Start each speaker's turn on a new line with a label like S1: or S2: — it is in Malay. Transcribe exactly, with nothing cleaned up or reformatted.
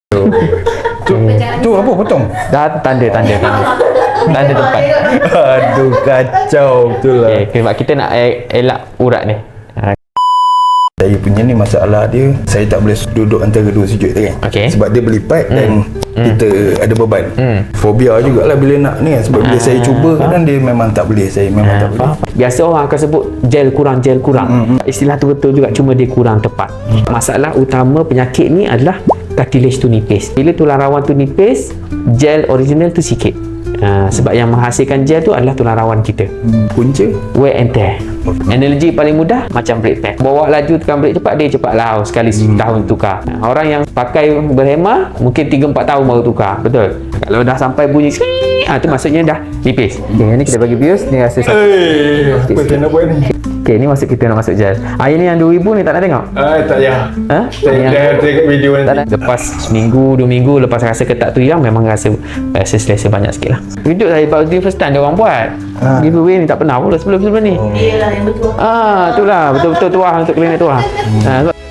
S1: Tu, tu apa potong?
S2: Dah tanda tanda tanda. Tanda tempat.
S1: Aduh kacau betul lah.
S2: Okey, sebab kita nak el- elak urat ni. Ha,
S1: Saya punya ni masalah dia, saya tak boleh duduk antara dua sujud tu kan.
S2: Okey.
S1: Sebab dia berlipat hmm. dan hmm. kita ada beban. Hmm. Fobia jugalah bila nak ni kan. Sebab bila
S2: Ah,
S1: saya cuba kadang dia memang tak boleh. Saya memang
S2: Ha,
S1: tak boleh.
S2: faham. Biasa orang akan sebut gel kurang, gel kurang.
S1: Hmm,
S2: Istilah tu betul juga, cuma dia kurang tepat. Masalah utama penyakit ni adalah cartilage tu nipis. Bila tulang rawan tu nipis, gel original tu sikit. Ha, sebab yang menghasilkan gel tu adalah tulang rawan kita.
S1: Hmm. Punca
S2: Wear and tear. Analogi paling mudah macam brake pad. Bawa laju tekan brake cepat, dia cepat lah sekali setahun tukar. Ha, orang yang pakai berhema mungkin tiga empat tahun baru tukar. Betul. Kalau dah sampai bunyi ah tu maksudnya dah nipis. Okey, ni kita bagi bios, ni rasa sakit.
S1: Eh, apa saya nak buat ni?
S2: Okey, ni maksud kita nak masuk gel. Ah, ini yang dua ribu ni tak nak tengok?
S1: Ah, tak payah.
S2: Ha?
S1: Saya
S2: Yang-
S1: dah tengok video
S2: tak
S1: nanti.
S2: nak. Lepas seminggu, dua minggu lepas rasa ketak tu hilang, memang rasa rasa selesa banyak sikit lah. Hidup saya baru first time dia orang buat.
S1: Ah.
S2: Giveaway ni tak pernah pula sebelum-sebelum ni.
S1: Oh.
S3: Dia lah yang betul.
S2: Ah, itulah betul-betul tuah untuk klinik tuah. Ah, sebab